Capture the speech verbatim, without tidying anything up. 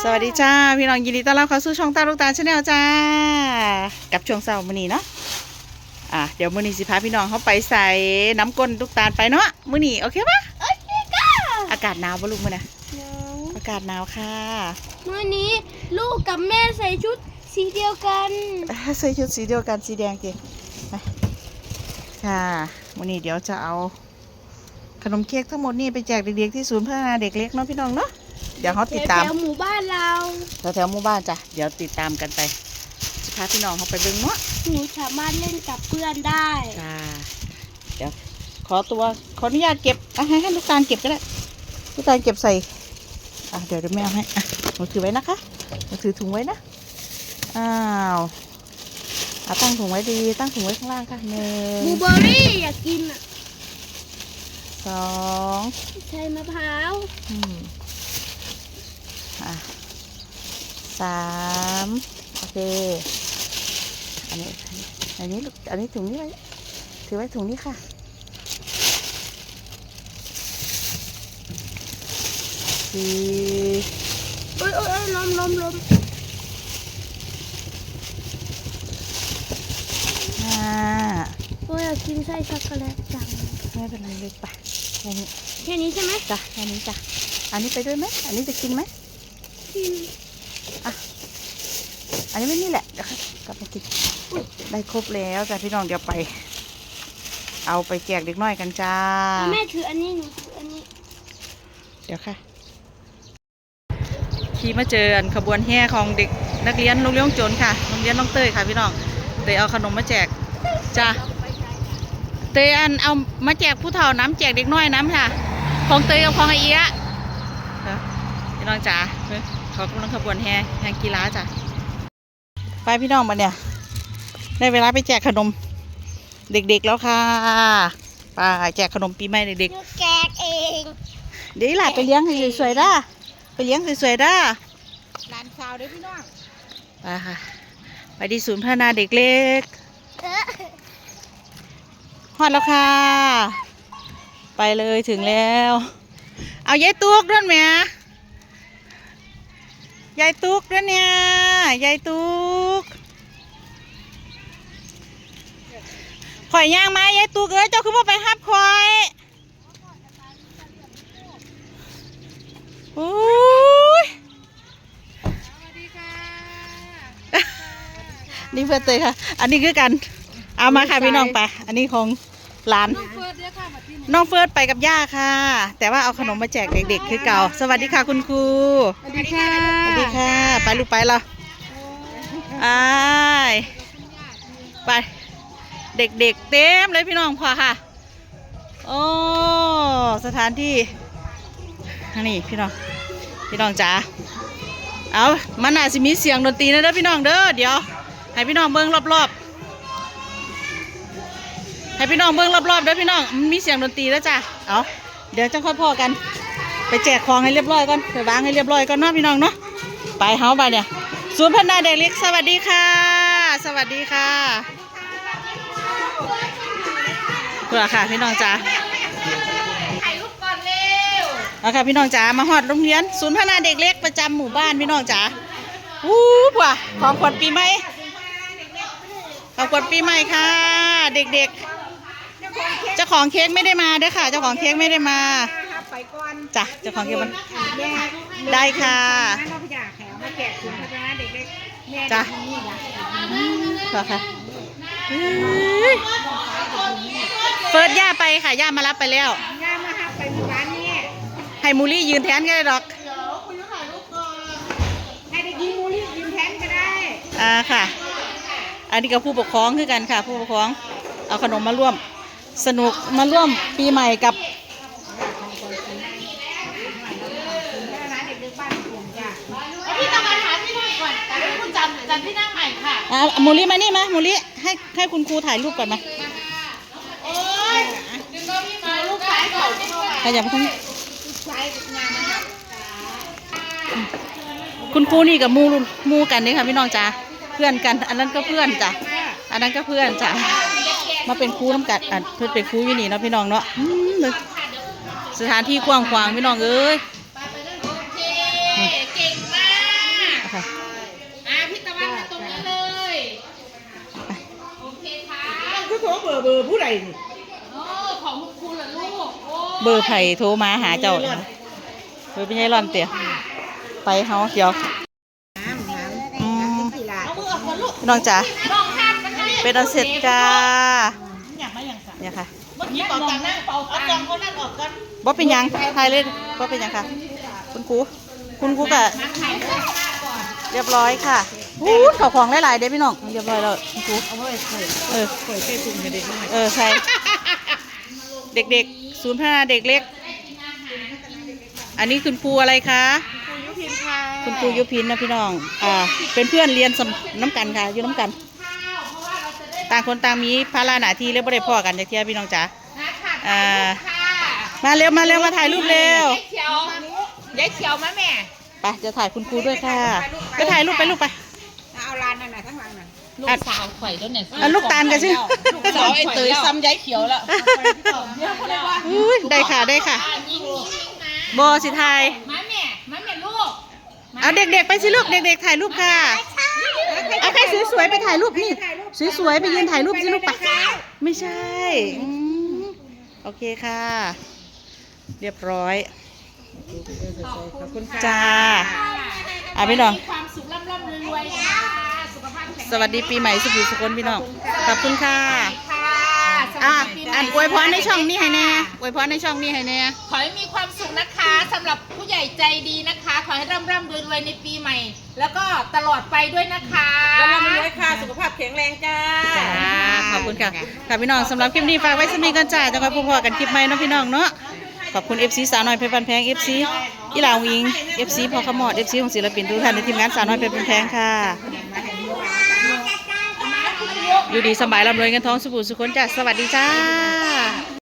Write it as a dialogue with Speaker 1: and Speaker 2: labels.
Speaker 1: สวัสดีจ้าพี่น้องยินดีต้อนรับเข้าสู่ช่องตาลูกตาชาแนลจ้ากับช่วงเช้ามื้อนี้เนาะอ่ะเดี๋ยวมื้อนี้สิพาพี่น้องเขาไปใส่น้ำก้นลูกตาลไปเนาะมื้อนี้โอเคปะ
Speaker 2: โอเคค่ะ
Speaker 1: อากาศหนาวปะลูกมื้อน่ะอากาศหนาวค่ะ
Speaker 2: มื้อนี้ลูกกับแม่ใส่ชุดสีเดียวกัน
Speaker 1: ใส่ชุดสีเดียวกันสีแดงเก๋ไปค่ะมื้อนี้เดี๋ยวจะเอาขนมเค้กทั้งหมดนี่ไปแจกเด็กๆที่ศูนย์พัฒนาเด็กเล็กเนาะพี่น้องเนาะเดี๋ยวเขาติดตาม
Speaker 2: แถวหมู่บ้านเรา
Speaker 1: แถวหมู่บ้านจ้ะเดี๋ยวติดตามกันไปจะพาพี่น้องเขาไปเบิ่งเนาะ
Speaker 2: หนูสามารถเล่นกับเพื่อนได้
Speaker 1: จ้าเดี๋ยวขอตัวขออนุญาตเก็บอ่ะให้ให้ลูกตาลเก็บก็ได้ลูกตาลเก็บใส่อ่ะเดี๋ยวเดี๋ยวแม่เอาให้อ่ะหนูถือไว้นะคะหนูถือถุงไว้นะอ้าวอ่ะตั้งถุงไว้ดีตั้งถุงไว้ข้างล่างค่ะหนึ่ง
Speaker 2: บลูเบอร์รี่อยากกินอ่ะ
Speaker 1: สอง
Speaker 2: ใช่มะพร้าว
Speaker 1: อืมอ่ะสามโอเคอันนี้อันนี้อันนี้ถุงนี้ไว้ถือไว้ถุงนี้ค่ะสี่
Speaker 2: โอ้ยโอ้ยล้มล้มล้ม
Speaker 1: ห้า
Speaker 2: โอ้ยอยากกินไส้ช็อกโกแลตจัง
Speaker 1: ไม่เป็นไรเลยไปแค่นี้
Speaker 2: แค่นี้ใช่ไหม
Speaker 1: จ้ะแค่นี้จ้ะอันนี้ไปด้วยไหมอันนี้จะกินไหม
Speaker 2: กิน
Speaker 1: อ่ะอันนี้ไม่นี่แหละเดี๋ยวกลับมากินได้ครบแล้วจ้ะพี่น้องเดี๋ยวไปเอาไปแจกเด็กน้อยกันจ้า
Speaker 2: แม่ถืออันนี้หนูถืออันนี้
Speaker 1: เดี๋ยวค่ะขี่มาเจอขบวนแห่ของเด็กนักเรียนโรงเรียนโจรค่ะโรงเรียนน้องเต้ยค่ะพี่น้องเตยเอาขนมมาแจกจ้าเตยอันเอามาแจกผู้เฒ่าน้ำแจกเด็กน้อยน้ำค่ะของเตยกับของไอเอี้ยพี่น้องจ๋าเขากำลังขบวนแห่แห่กีฬาจ้ะไปพี่น้องมาเนี่ยได้เวลาไปแจกขนมเด็กๆแล้วค่ะไปแจกขนมปีใหม่เด็ก
Speaker 2: ๆแจกเอง
Speaker 1: เดี๋ยวหลานไปเลี้ยงสวยๆด้าไปเลี้ยงสวยๆด้า
Speaker 2: หลานสาวด้วยพี่น้อง
Speaker 1: ไปค่ะไปที่ศูนย์พัฒนาเด็กเล็กฮอดแล้วค่ะไปเลยถึงแล้วเอายายตุ๊กด้วยไหมยายตุ๊กด้วยเนี่ยยายตุ๊กข่อยย่างมายายตุ๊กเอ้ยเจ้าคือว่าไปฮับข่อยโอ้ยสวัสดีค่ะนี่เพื่อนเตยค่ะอันนี้คือกันเอามาค่ะพี่น้องไปอันนี้ของหลานน้องเฟิร์สไปกับย่าค่ะแต่ว่าเอาขนมมาแจกเด็กๆคือเก่าสวัสดีค่ะคุณครู
Speaker 2: สวัสดีค่ะ
Speaker 1: สวัสดีค่ะไปลูกไปเราไอไปเด็กๆเต็มเลยพี่น้องพอค่ะโอ้สถานที่นี่พี่น้องพี่น้องจ๋าเอามันอาจจะมีเสียงดนตรีนะเด้อพี่น้องเด้อเดี๋ยวให้พี่น้องเบิ้งรอบๆให้พี่น้องเบิ้งรอบๆเด้อพี่น้องมีเสียงดนตรีแล้วจ้ะเอาเดี๋ยวจะค่อยพอกันไปแจกของให้เรียบร้อยก่อนไปวางให้เรียบร้อยก่อนเนาะพี่น้องเนาะไปเฮาไปเนี่ยศูนย์พัฒนาเด็กเล็กสวัสดีค่ะสวัสดีค่ะเพื่อค่ะพี่น้องจ๋าถ่ายรูปก่อนเร็วเอาค่ะพี่น้องจ๋ามาฮอดโรงเรียนศูนย์พัฒนาเด็กเล็กประจำหมู่บ้านพี่น้องจ๋าวู้ป่ะของขวัญปีใหม่ของขวัญปีใหม่ค่ะเด็กๆเจ้าของเค้กไม่ได้มาเด้อค่ะเจ้าของเค้กไม่ได้มาจ้ะเจ้าของเค้กมันได้ค่ะจ้ะค่ะเฟิร์สย่าไปค่ะย่ามารับไปแล้วย่ามารับไปหมู่บ้านนี่ให้มูลี่ยืนแทนก็ได้ดอกให้เด็กหญิงมูลี่ยืนแทนก็ได้อ่าค่ะอันนี้กับผู้ปกครองคือกันค่ะผู้ปกครองเอาขนมมาร่วมสนุกมาร่วมปีใหม่กับพี่ต้องมาถามพี่หน่อยก่อนแต่คุณจำจำที่หน้าใหม่ค่ะอ่ามูลี่มานี่มามูลี่ให้ให้คุณครูถ่ายรูปก่อนมาโอ้ยดึงก็พี่มาลูกชายก่อนใครอยากมาทำคุณครูนี่กับมูมูกันนี่ค่ะพี่น้องจ้าเพื่อนกันอันนั้นก็เพื่อนจ้ะอันนั้นก็เพื่อนจ้ะมาเป็นครูน้ำกัดอ่ะเพื่อนเป็นครูอยู่นี่เนาะพี่น้องเนาะสถานที่กว้างขวางพี่น้องเอ้ยเก่งมากค่ะ
Speaker 3: อ่ะพี่ตะวันมาตรงนี้เลย โอเคค่ะ
Speaker 4: คือโทรเบอร์เบอร์ผู้ใดนี่
Speaker 3: โอ้ของคุณครูเหรอลูกโอ้
Speaker 1: เบอร์ไผ่โทรมาหาเจ้าเบอร์เป็นไงร่อนเตี๋ยไปเฮาเดี๋ยว
Speaker 4: น้ำน้ำ
Speaker 1: อืม
Speaker 4: กีฬา
Speaker 3: เอามือออกก่อนลูก
Speaker 1: พี่น้องจ๋า
Speaker 3: ลองทานกันให้
Speaker 1: เป็นอันเสร็จจ้า
Speaker 3: อยากมาอย่างสัก
Speaker 1: เนี่ยค่ะ
Speaker 3: เมื่อกี้เป่าตังค์นะเป่าตังค์เอากองเขานั่นออกก่อน
Speaker 1: บ่เป็นหยังทายเลยบ่เป็นหยังค่ะ คุณครูคุณครูก็
Speaker 3: มาถ่ายด้วยก่อน
Speaker 1: เรียบร้อยค่ะอู้ข้าวของหลายๆเด้พี่น้องเรียบร้อยแล้วคุณครู
Speaker 4: เอาไว้ใส่
Speaker 1: เออ
Speaker 4: ใส่ใส่ถุงให้เด็กหน่อย
Speaker 1: เออใช่เด็กๆศูนย์พัฒนาเด็กเล็ก อันนี้คุณครูอะไรคะ
Speaker 4: ยุพินค่ะ
Speaker 1: คุณครูยุพินนะพี่น้อง อ่า เป็นเพื่อนเรียนสำน้ำกันค่ะ อยู่น้ำกัน ต่างคนต่างมีภาระหน้าที่แล้วไม่ได้พ่อกันจากเที่ยพี่น้องจ๋า
Speaker 3: นะค่ะ
Speaker 1: อ่า
Speaker 3: ค่ะ
Speaker 1: มาเร็วมาเร็วมาถ่ายรูปเร็ว
Speaker 3: ยายเขียวยายเขียวมาแม่
Speaker 1: ไปจะถ่ายคุณครูด้วยค่ะไปถ่ายรูปไปลูกไป
Speaker 4: เอาลานนั่นน่ะทั้งหลังน่ะ
Speaker 3: ลูกสาวข่อยแล้วเนี่ย
Speaker 1: อ่ะลูกตาลกันสิ
Speaker 3: ลูกสาวไอ้เตยซ้ำยายเขียวแล้ว
Speaker 1: อุ้ยได้ค่ะได้ค่ะ
Speaker 3: ยิงยิงมา
Speaker 1: โบสิไทย
Speaker 3: มาแม่มาแม่ลูก
Speaker 1: เอาเด็กๆไปสิลูกเด็กๆถ่ายรูปค่ะเอาใครสวยๆไปถ่ายรูปนี่สวยๆไปยืนถ่ายรูปสิลูกไปไม่ใช่อืมโอเคค่ะ เรียบร้อย
Speaker 4: ขอบคุณค่ะ
Speaker 1: จ้าอ่ะพี่น้อง
Speaker 3: มีความสุขร่ำร่ำรวยรวยค่ะสุขภาพแข็งแรง
Speaker 1: สวัสดีปีใหม่สุขสุขคนพี่น้องขอบคุณค่ะ
Speaker 3: ค่ะส
Speaker 1: อ่ะ
Speaker 3: วัสดีปีใหม่
Speaker 1: อ่านอวยพรในช่องนี้ให้แน่อวยพรในช่องนี้ให้แน่
Speaker 3: ขอให้มีความสุขนะคะสำหรับผู้ใหญ่ใจดีนะคะ ขอให้ร่ำร่ำรวยรวยในปีใหม่ แล้วก็ตลอดไปด้วยนะคะ
Speaker 4: แล้วเรามีไว้ค่ะสุขภาพแข็งแรงจ้า
Speaker 1: จ้าขอบคุณค่ะค่ะพี่น้องสำหรับคลิปนี้ฝากไว้สมีกันจ้าจะคอยพบกันคลิปใหม่เนาะพี่น้องเนาะขอบคุณ เอฟ ซี สาวน้อยเพชรบันแพง เอฟ ซี อีหลาวิง เอฟ ซี พอขมอด เอฟ ซี ของศิลปินทุกท่านในทีมงานสาวน้อยเพชรบันแพงค่ะ อยู่ดีสบายร่ำรวยเงินทองสุขสุขคนจ้าสวัสดีจ้า